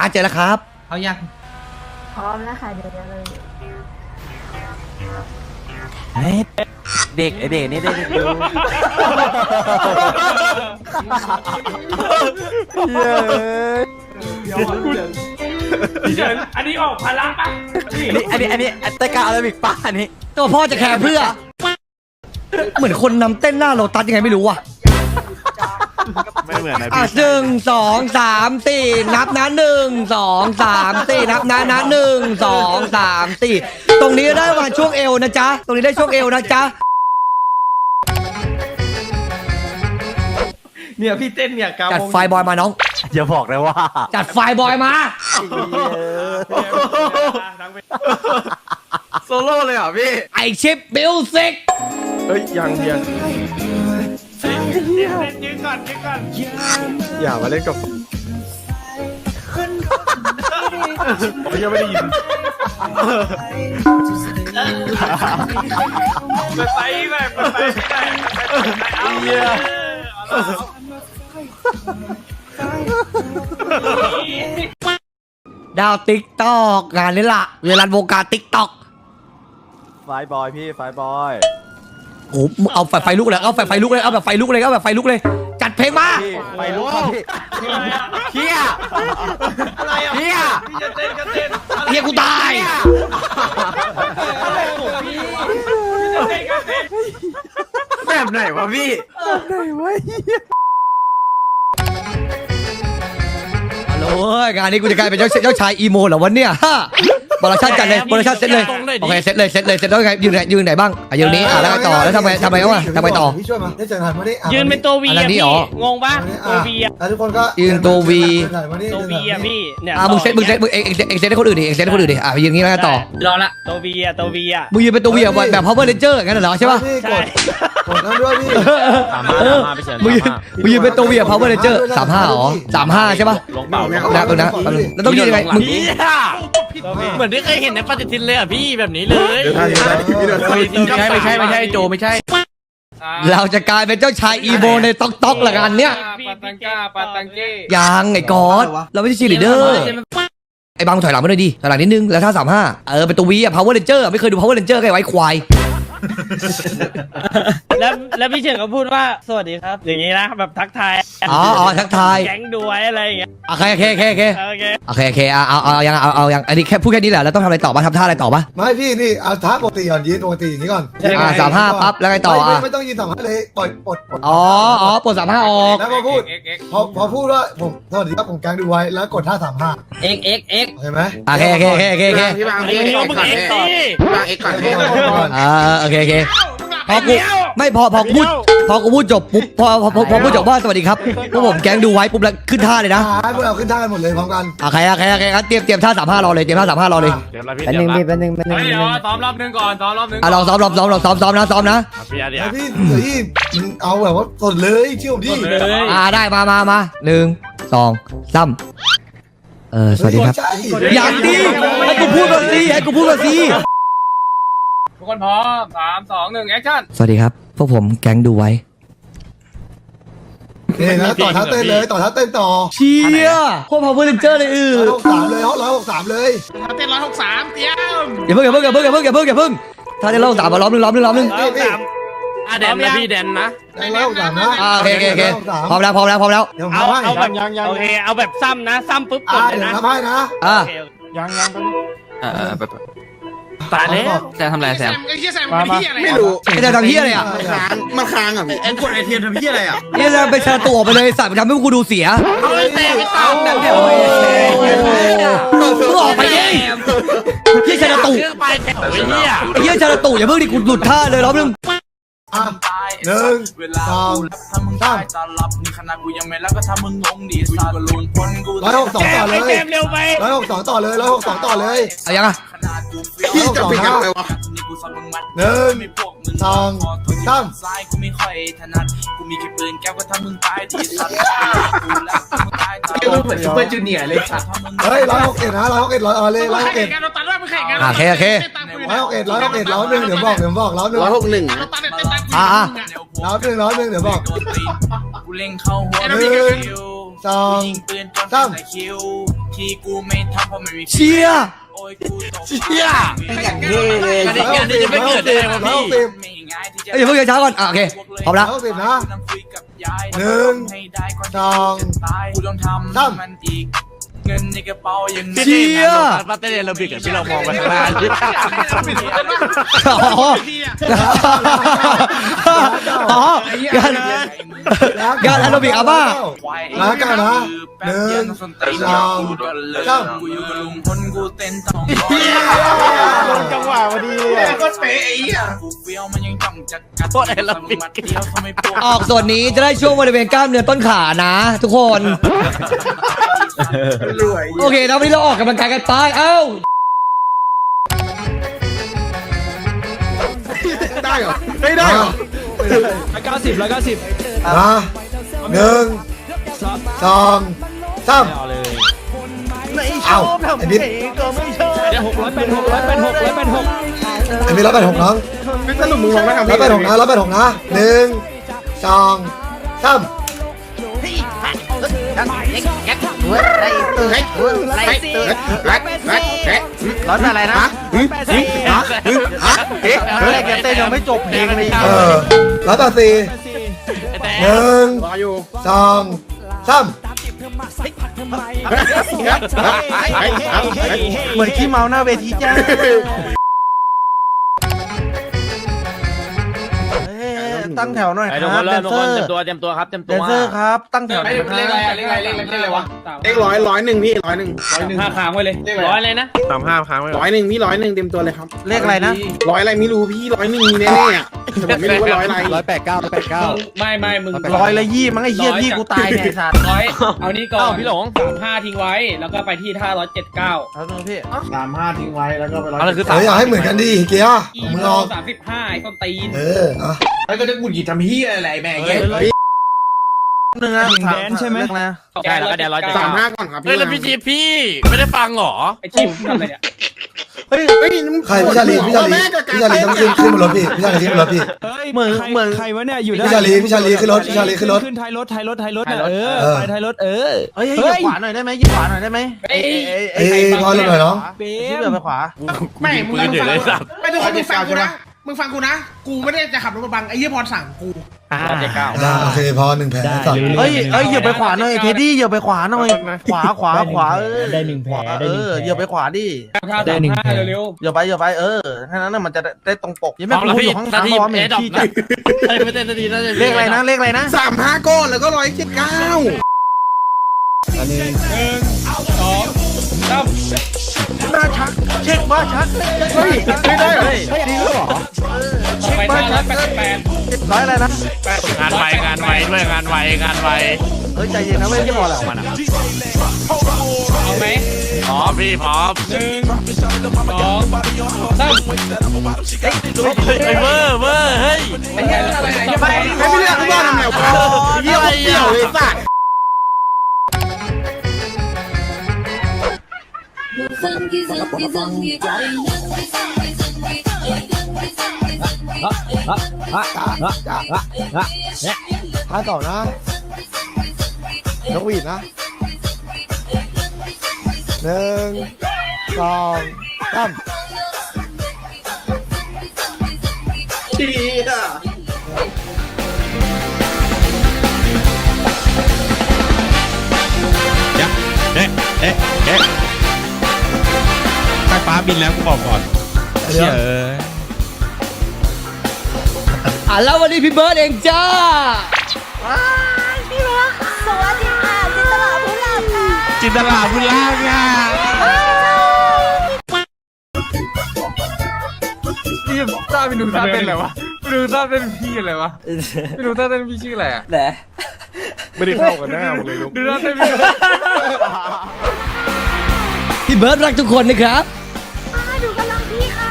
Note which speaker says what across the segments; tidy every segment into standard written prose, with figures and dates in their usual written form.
Speaker 1: เจอแล้วครับ
Speaker 2: เอายัง
Speaker 3: พร้อมแล้วค่ะเดี๋ยวเลย
Speaker 4: เด็กไอเด็กนี่ได้ดู
Speaker 2: เฉินอันนี้ออกพลังปะ
Speaker 4: อันนี้ตะกาอาราบิกป้าอันนี้
Speaker 1: ตัวพ่อจะแคร์เพื่อเหมือนคนนำเต้นหน้าโลตัสยังไงไม่รู้อ่ะ
Speaker 4: ไม่เหมือนนะ
Speaker 1: 1 2 3 4นับนะ1 2 3 4นับนะ1 2 3 4ตรงนี้ได้มาช่วงเอวนะจ๊ะตรงนี้ได้ช่วงเอวนะจ๊ะ
Speaker 2: เนี่ยพี่เต้นเนี่ย
Speaker 1: จัดไฟบอยมาน้อง
Speaker 4: อย่าบอกเลยว่า
Speaker 1: จัดไฟบอยมา
Speaker 4: โซโล่เลยเหรอพี่
Speaker 1: ไอชิปมิวสิก
Speaker 4: เฮ้ยยัง
Speaker 2: ยืนก่อน
Speaker 4: อย่ามาเล่นกับผมยังไม่ได้ยิน
Speaker 2: ไปแบบเอาเยอะ
Speaker 1: ดาวติ๊กตอกงานนี้ล่ะเวลาวงการติ๊กตอก
Speaker 4: ไฟบอยพี่ไฟบอย
Speaker 1: โอ้เอาไฟลุกเลยเอาไฟลุกเลยเอาแบบไฟลุกเลยเอาแบบไฟลุกเลยจัดเพลงมา
Speaker 4: ไฟลุกพี่เฮีย
Speaker 2: อะไรอ่ะ
Speaker 4: เฮีย
Speaker 2: พี่จะเต้นก็เต้น
Speaker 1: เฮียกูตาย
Speaker 4: แบบไหนวะพี่ไหนวะ
Speaker 1: ฮัลโหลงานนี้กูจะกลายเป็นเจ้าชายอีโมเหรอวันเนี้ยโปรดักชั่นจัดเลยโปรดักชั่นเซตเลยโอเคเซตเลยแล้วไงยืนไหนบ้างยืนนี้แล้วต่อแล้วทำไมวะทำไมต่อ
Speaker 5: พี่ช่วยมาได้เจอกันมาดิ
Speaker 2: ยืนเป็นตัววี
Speaker 1: นี่หร
Speaker 2: องงปะตัววี
Speaker 5: แล้วทุกคนก็
Speaker 1: ยืนตัววี
Speaker 2: ตัววีอะพี่เนี่ย
Speaker 1: มึงเซตเอ็กเซตให้คนอื่นดิเอ็กเซตให้คนอื่นดิยืนงี้แล้วต่อ
Speaker 2: รอละตัววีอะ
Speaker 1: มึงยืนเป็นตัววีแบบ Power Ranger งั้นเหรอใช่ปะ
Speaker 5: ใช่กดนั่นด้วยพี่
Speaker 1: มึงยืนเป็นตัววีPower Ranger 35หรอ35ใช่ปะ
Speaker 4: ลงเปล่า
Speaker 1: แล้วต้องยืนยังไงมึง
Speaker 2: เหมือนที่เคยเห็นในปฏิทินเลยอ่ะพี่แบบนี้เลย
Speaker 4: ไม่ใช่โจไม่ใช่
Speaker 1: เราจะกลายเป็นเจ้าชายอีโมในต๊อกละกันเนี้ย
Speaker 2: ปาตังเก้
Speaker 1: ยังไอ้กอดเราไม่ใช่ชีลีเดอร์ไอ้บางถอยหลังมาหน่อยดิถอยหลังนิดนึงแล้วถ้า35เป็นตัววีPower Ranger ไม่เคยดู Power Ranger ไงไว้ควาย
Speaker 2: แล้วพี่เฉินก็พูดว่าสวัสดีครับอย่างนี้นะแบบทักทาย
Speaker 1: ทักทาย
Speaker 2: แก๊งดูไว้อะไรอย่างเงี้ย
Speaker 1: โอเคเอายังอันนี้แค่พูดแค่นี้แหละแล้วต้องทำอะไรต่อป่ะทำท่าอะไรต่อป่ะ
Speaker 5: ไม่พี่นี่เอาท่าปกติก่อนยืนปกติอย่างนี้ก่อน
Speaker 1: 35ปั๊บแล้วไงต่อ
Speaker 5: ไม่ต้องยืน35เลยปลด
Speaker 1: ปลด35ออก
Speaker 5: แล้วพอพูดพอพูดว่าผมสวัสดีครับผมแก๊งดูไว้แล้วกดท่า35
Speaker 2: เห็
Speaker 5: นไหม
Speaker 1: โอเค
Speaker 4: พี่บางพี่ก่อน
Speaker 1: โอเคพอกูพูดจบปุ๊บพอพูดจบว่าสวัสดีครับพวกผมแก๊งดูไว้ปุ๊บแล้วขึ้นท่าเลยนะ
Speaker 5: พวกเราขึ้นท่ากันหมดเลยพร้อมกัน
Speaker 1: โอเคงั้นเตรียมท่า35รอเลยแป๊บนึง
Speaker 2: เดี๋ยวซ้อมรอบนึงก่อน
Speaker 1: ลองซ้อมนะ
Speaker 5: พี่เอาแบบว่าสดเลยเชื่อผมดิ
Speaker 1: ได้มา1 2 3สวัสดีครับอย่างดีให้กูพูดก่อนสิ
Speaker 2: ทุกคนพร้อม3 2 1แอคชั่น
Speaker 1: สวัสดีครับพวกผมแก๊งดูไว้
Speaker 5: นี่นะต่อท้าเต้นเลยต่อท้าเต้นต่อ
Speaker 1: เชียโคตร Power Ranger เลย
Speaker 5: 163เลย163เลย
Speaker 2: ท้าเต้น163เตรียม
Speaker 1: อย่าเพิ่งถ้าเต้น163มาล้อมนึง
Speaker 2: แดนนะพี่แดนนะ
Speaker 5: 163นะ
Speaker 1: โอเคพร้อมแล้ว
Speaker 2: เอาแบบโอเคเอาแบบซ้ำนะซ้ำปุ๊บกดเลยนะ
Speaker 5: ทำให้นะ
Speaker 2: ยัง
Speaker 4: ตายแล้วจะทำอะไรแซม
Speaker 2: ไม่รู้
Speaker 1: จะทำเฮียอะไรอ่ะ
Speaker 4: มันค้างอ่ะ
Speaker 2: แอนกดไอเทียมทำเฮียอะไรอ่ะ
Speaker 1: นี่จะไปแชร์ตัวไปเลยสัตว์ทำให้กูดูเสีย
Speaker 2: ไม่ตามแบบนี้
Speaker 1: มึงออกไปดิเฮียแชร์ตัวเฮียแชร์ตัวอย่าเพิ่งดิกูหลุดท่าเลยรอบนึง
Speaker 5: 1 2 3
Speaker 6: ขนาดกูยังไม่รักก็ทำมึงงงดิสัตว์ลุนพ้นกู
Speaker 5: 162ต่อเลย
Speaker 2: เร็วไป
Speaker 5: 162ต่อเลย162ต่อเลย
Speaker 1: เอายังอ่ะ
Speaker 5: พี่จะปิดกันเลยวะ1 2 3
Speaker 6: ซ้ายกูไม่ค่อยถนัดกูมีแค่ปืนแก้วก็ทำมึงตายดิสัตว์
Speaker 2: กูเหมือนซูเปอร์จูเนียร์เลยสัตว์
Speaker 5: เฮ้ย161นะ161เลย161
Speaker 2: เราตัดด้วยมึงแข่งกัน
Speaker 1: โอเค
Speaker 5: 161ร้อยนึงเดี๋ยวบอก161ร้อยนึงเดี๋ยวบอก
Speaker 6: กูเล็งเข้าหัว
Speaker 5: 1 2 3
Speaker 6: ที่กูไม่ทำเพราะไม่มี
Speaker 1: เชีย
Speaker 6: โอ้ยกูตก
Speaker 5: เชี่ย
Speaker 4: อย่างเท่เลย
Speaker 5: อันนี้จะไม่เกิดได้วะพี่
Speaker 6: ไม่ง่ายที่จะ
Speaker 1: เอ้ยอย่าเพิ่งช้าก่อนโอเคพร้อมแล้ว
Speaker 5: เอาสินะ
Speaker 6: นั่งคุยกับยาย
Speaker 5: หนึ่ง
Speaker 6: ให้ได้ก่อน
Speaker 5: สอง
Speaker 6: ตายกูต้องทำ
Speaker 5: สาม
Speaker 6: มันอีกเงินในกระเป๋ายัง
Speaker 1: เชีย
Speaker 2: ปาเต้นเราบิกที่เรามองไปข้างล่าง
Speaker 1: อ๋องานแอโรบิกอาบ้า
Speaker 5: มากันนะหนึ่งสอง สาม
Speaker 6: กูอยู่กับลุงพลกูเต้นต้อง
Speaker 4: ลงจังหวะพอดีเลย
Speaker 5: ก็เป๊ะไอ้เหี้ย
Speaker 6: กูเฟี้ยวมันยังจ้องจะกัด
Speaker 2: โคตรแอโรบิก
Speaker 6: มัดเดียวทำไมพวก
Speaker 1: ออกส่วนนี้จะได้ช่วงบริเวณกล้ามเนื้อต้นขานะ ทุกคน
Speaker 5: รวย
Speaker 1: โอเคแล้ววันนี้เราออกกำลังกายกันไปเอ้า
Speaker 5: ได้เหรอไม่ได้เหรอ
Speaker 2: 190
Speaker 5: มาหนึ่งสองสาม
Speaker 2: เอาเลย
Speaker 5: เอาไอ้บิ๊ก
Speaker 2: เดี๋ยว600เป็น600เป็น600เป็น6
Speaker 5: ไอ้บิ๊ก186น้อง
Speaker 4: ไม่สรุปมึงมองได้ทำ
Speaker 5: 186นะ186นะหนึ่งสองสาม
Speaker 4: ร้อนอะไรนะแรกยังเต้นยังไม่จบเพลงเลย
Speaker 5: 184หนึ่ง
Speaker 4: รออยู่
Speaker 5: สองสาม
Speaker 4: เหมือนขี้เมาหน้าเวทีจ้าตั้งแถวหน่อย
Speaker 2: ไอ้
Speaker 4: ค
Speaker 2: ทุกค
Speaker 4: รั
Speaker 2: น
Speaker 4: บ
Speaker 2: เริ่
Speaker 4: แด
Speaker 2: ม
Speaker 4: น
Speaker 2: ทุก
Speaker 4: เซ
Speaker 2: ค
Speaker 4: อน ร์
Speaker 2: เตรียมตัวครับเตรียม
Speaker 4: แด
Speaker 2: ตัวน
Speaker 4: เซอร์ครับตั้งแถวหน่อยครับ
Speaker 7: เลขอะไรวะ
Speaker 4: เลข100พี่101
Speaker 2: 5ค้างไว้เลย100เลยนะ
Speaker 4: 35ค้างไว้101พี่101เต็มตัวเลยครับเลขอะไรนะ100อะไรไม่รู้พี่101มีแน่ๆอ่ะแต่ผมไม่รู้ว่า100อะไร
Speaker 2: ไม่มึง
Speaker 4: 100ละยี่มั้งไอ้เหี้ยพี่กูตายเนี่ยสัตว์
Speaker 2: ร้อยเอานี่ก่อนพี่หลง 35ทิ้งไว้แล้วก็ไปที่ท่า179
Speaker 4: เอาตรงพี่
Speaker 7: 35ทิ้งไว้แล้วก็ไปร้อย
Speaker 2: อะไรคือ
Speaker 5: อยากให้เหมือนกันดิเกียร์
Speaker 2: อี
Speaker 5: มึง
Speaker 2: โม
Speaker 5: ออก
Speaker 2: 35ไอ้ต้นตีน
Speaker 5: อ่ะ
Speaker 7: ไอ้ก็จะกุดหยิบทำพี่อะไรแม่ง
Speaker 4: นึงนะแดนใช่ไหมนะ
Speaker 2: ใช่แล้วก็เดี๋ยว179
Speaker 4: 35ก่อนครับ
Speaker 2: เฮ้ยแล้วพี่จีพี่ไม่ได้ฟังหรอไอ้จิ๊บทำอะไรเนี่ย
Speaker 4: เฮ้ย
Speaker 5: ใครพี่ชาลีต้องขึ้นบนรถพี่พี่ชาลีขึ้นบนรถพี่
Speaker 4: เหมือน
Speaker 8: ใครวะเนี่ยอยู่
Speaker 5: พี่ชาลีขึ้นรถพี่ชาลีขึ้นรถ
Speaker 8: ขึ้นท้ายรถเนี่ย
Speaker 5: เออ
Speaker 8: ไปท้ายรถ
Speaker 4: เฮ้ยเหยียบขวาหน่อยได้ไหมเหยียบขวาหน่อยได้ไหม
Speaker 5: เอ้ยพอลงหน่อยน้อง
Speaker 8: เป๊
Speaker 4: ชิบเหยียบไปขวา
Speaker 7: ไม่มึง
Speaker 2: ปืนอยู่เลยสับ
Speaker 7: ไม่ทุกคนมึงฟังกูนะมึงฟังกูนะ กูไม่ได้จะขับรถมาบังไอ้เหี้ยพรสั่งกู
Speaker 5: โอเคพอ1แผลสั่ง
Speaker 4: เฮ้ยเหยียบไปขวาหน่อยเทดดี้เหยียบไปขวาหน่อยขวา
Speaker 8: ได้หนึ่งแผลได้
Speaker 4: เอ
Speaker 8: หนึ่ง
Speaker 4: อ
Speaker 8: แผล
Speaker 4: เหยียบไปขวาดิ
Speaker 2: ท่า35เร็ว
Speaker 4: เหยียบไปแค่นั้นน่ะมันจะได้ตรงปกยังไม่พูดอยู่ข้างทางเพราะว่าเหม็นขี้จัด
Speaker 2: ไม่เต้นนาทีน่าจะ
Speaker 4: เลขอะไรนะ35ก้อนแล้วก็179
Speaker 2: 3
Speaker 4: น่าชักเช็คว่าชักเฮ้ยไม่ได้เหรอเฮ้ยดีหรอ
Speaker 2: ไปท่า188
Speaker 4: ร้อยอะไรนะ
Speaker 2: งานไวด้วยงานไว
Speaker 4: เฮ้ยใจเย็นนะเว้ยที่บอกแหละมัน
Speaker 2: เอาไหมพร้อมพี่พร้อม1 2 3ไอ้เวอร์เฮ้ย
Speaker 7: ไอ้เหี้ยอะไรไหนจะไป
Speaker 4: ไม่เลือกว่าทำแล้วเยี่ยมเดี่ยวเลยสัตว์
Speaker 5: ท้ายต่อนะนกหวีดนะ1 2 3
Speaker 7: ดีอ่ะ
Speaker 9: ใต้ฟ้าบินแล้วกูบอกก่อน
Speaker 5: เดี๋ยว
Speaker 1: แล้ววันนี้พี่เบิร์ดเองจ้า
Speaker 3: สวัสดีค่ะจินตลาผู้หลับค่ะ
Speaker 9: จินตลาพุล่าค่ะ
Speaker 4: นี่ต้าไปดูต้าเป็นอะไรวะไปดูต้าเป็นพี่อะไรวะไปดูต้าเป็นพี่ชื่ออะไรอ่ะ
Speaker 1: แหละ
Speaker 4: ไม่ได้เข้ากันหน้าเลยลูกดูต้าเป็นพี่
Speaker 1: พี่เบิร์ดรักทุกคนนะครับ
Speaker 3: ดูกำลังพี่ค่ะ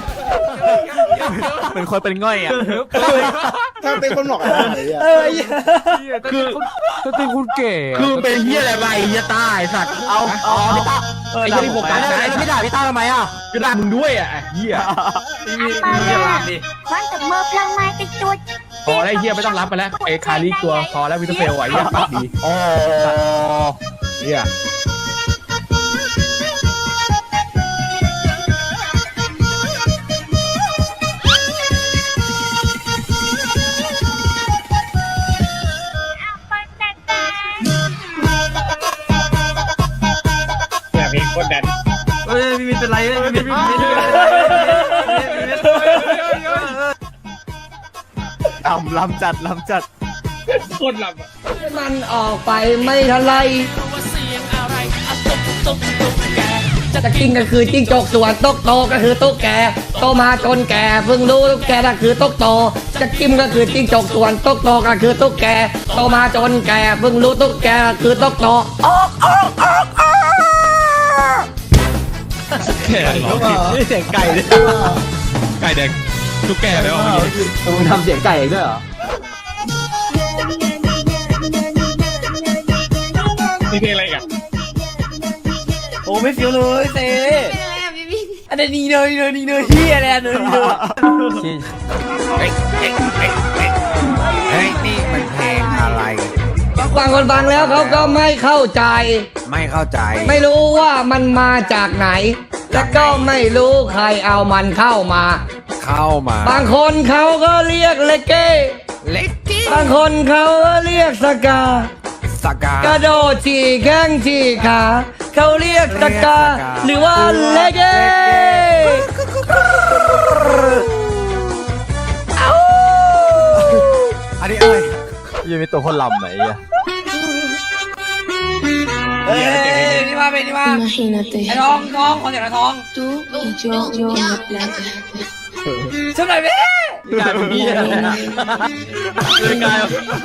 Speaker 2: เหมือนคนเป็นง่อยอ่ะ
Speaker 4: ถ้าเป็นคนหลอกอะไรอ่ะคือเป็นคุณเก๋คือเป็นเฮียอะไรเฮียต้าไอสัตว์เอาพี่ต้าไอ้เฮียที่ผมกันแล้วไม่ด่าพี่ต้าทำไมอ่ะก็ด่ามึงด้วยอ่ะเฮีย
Speaker 3: มันกับเมื่อพลังไม้ติดจุด
Speaker 4: พอแล้วเฮียไม่ต้องรับไปแล้วไอ้คาริตัวพอแล้ววินเทอร์เฟลไหวเฮียปักดีอ๋อเฮียวินเป็นไรพี่วินลำจัด
Speaker 2: คนหลับอ่ะ
Speaker 1: มันออกไปไม่ทันไรจะกินก็คือจิ้งจกส่วนตุ๊กโตก็คือตุ๊กแกโตมาจนแก่เพิ่งรู้ตุ๊กแกก็คือตุ๊กโตจะกินก็คือจิ้งจกส่วนตุ๊กโตก็คือตุ๊กแกโตมาจนแก่เพิ่งรู้ตุ๊กแกก็คือตุ๊กโตออก
Speaker 9: แก่หรอ
Speaker 4: นี่เสียงไก่ด้วย
Speaker 9: ไก่แดงทุกแก่แล้ว
Speaker 4: มึงทำเสียงไก่ด้วยเหรอ
Speaker 2: นี่เพลงอะไรกัน
Speaker 4: โอ้ไม่เฟี้ยวเลยเซ่
Speaker 3: เป็นอะไรอ่ะพี่พี่
Speaker 4: อันนี้นี่เลยเฮียอะไรเลย
Speaker 5: เฮ้ยนี่มันเพลงอะไร
Speaker 1: ฟังคนฟังแล้วเขาก็ไม่เข้าใจ
Speaker 5: ไม่เข้าใจ
Speaker 1: ไม่รู้ว่ามันมาจากไหน และก็ไม่รู้ใครเอามันเข้ามา บางคนเขาก็เรียกเลเก้
Speaker 5: เล็กกี้
Speaker 1: บางคนเขาก็เรียกสกา
Speaker 5: สกาก
Speaker 1: ระโดดฉี่แข้งฉี่ขาเขาเรียกสกา หรือว่าเลเก้เอ้า
Speaker 5: อันนี้อะไร
Speaker 4: ยังมีตัวคนลำไหมอ่ะ
Speaker 1: นี่มาเป็นนี่มา
Speaker 3: Imagínate
Speaker 1: ไอ้น้องคนเดียวน้อง
Speaker 3: tú y yo en la playa.
Speaker 1: ช่วยหน่อยพี่
Speaker 4: กลายเป็นเฮียอะไรนะกลาย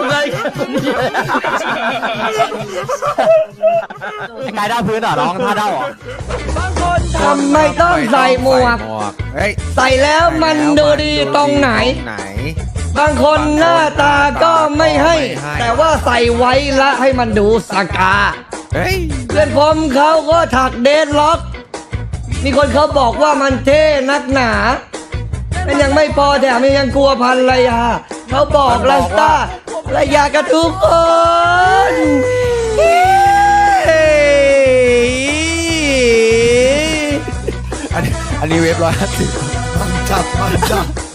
Speaker 4: ดาวพื้นเหรอน้องท่าดาวเหรอบ
Speaker 1: างคนทำไม่ต้องใส่หมวก
Speaker 5: เฮ้ย
Speaker 1: ใส่แล้วมันดูดีตรงไหน บางคนหน้าตาก็ไม่ให้ แต่ว่าใส่ไว้ละให้มันดูสกา
Speaker 5: เฮ้ย
Speaker 1: เพื่อนผมเขาก็ถักเดดล็อก มีคนเขาบอกว่ามันเท่นักหนามันยังไม่พอแถมยังกลัวภรรยาเขาบอกลัสตาภรรยากับทุกคน
Speaker 5: อันนี้เว็บ150มันจับ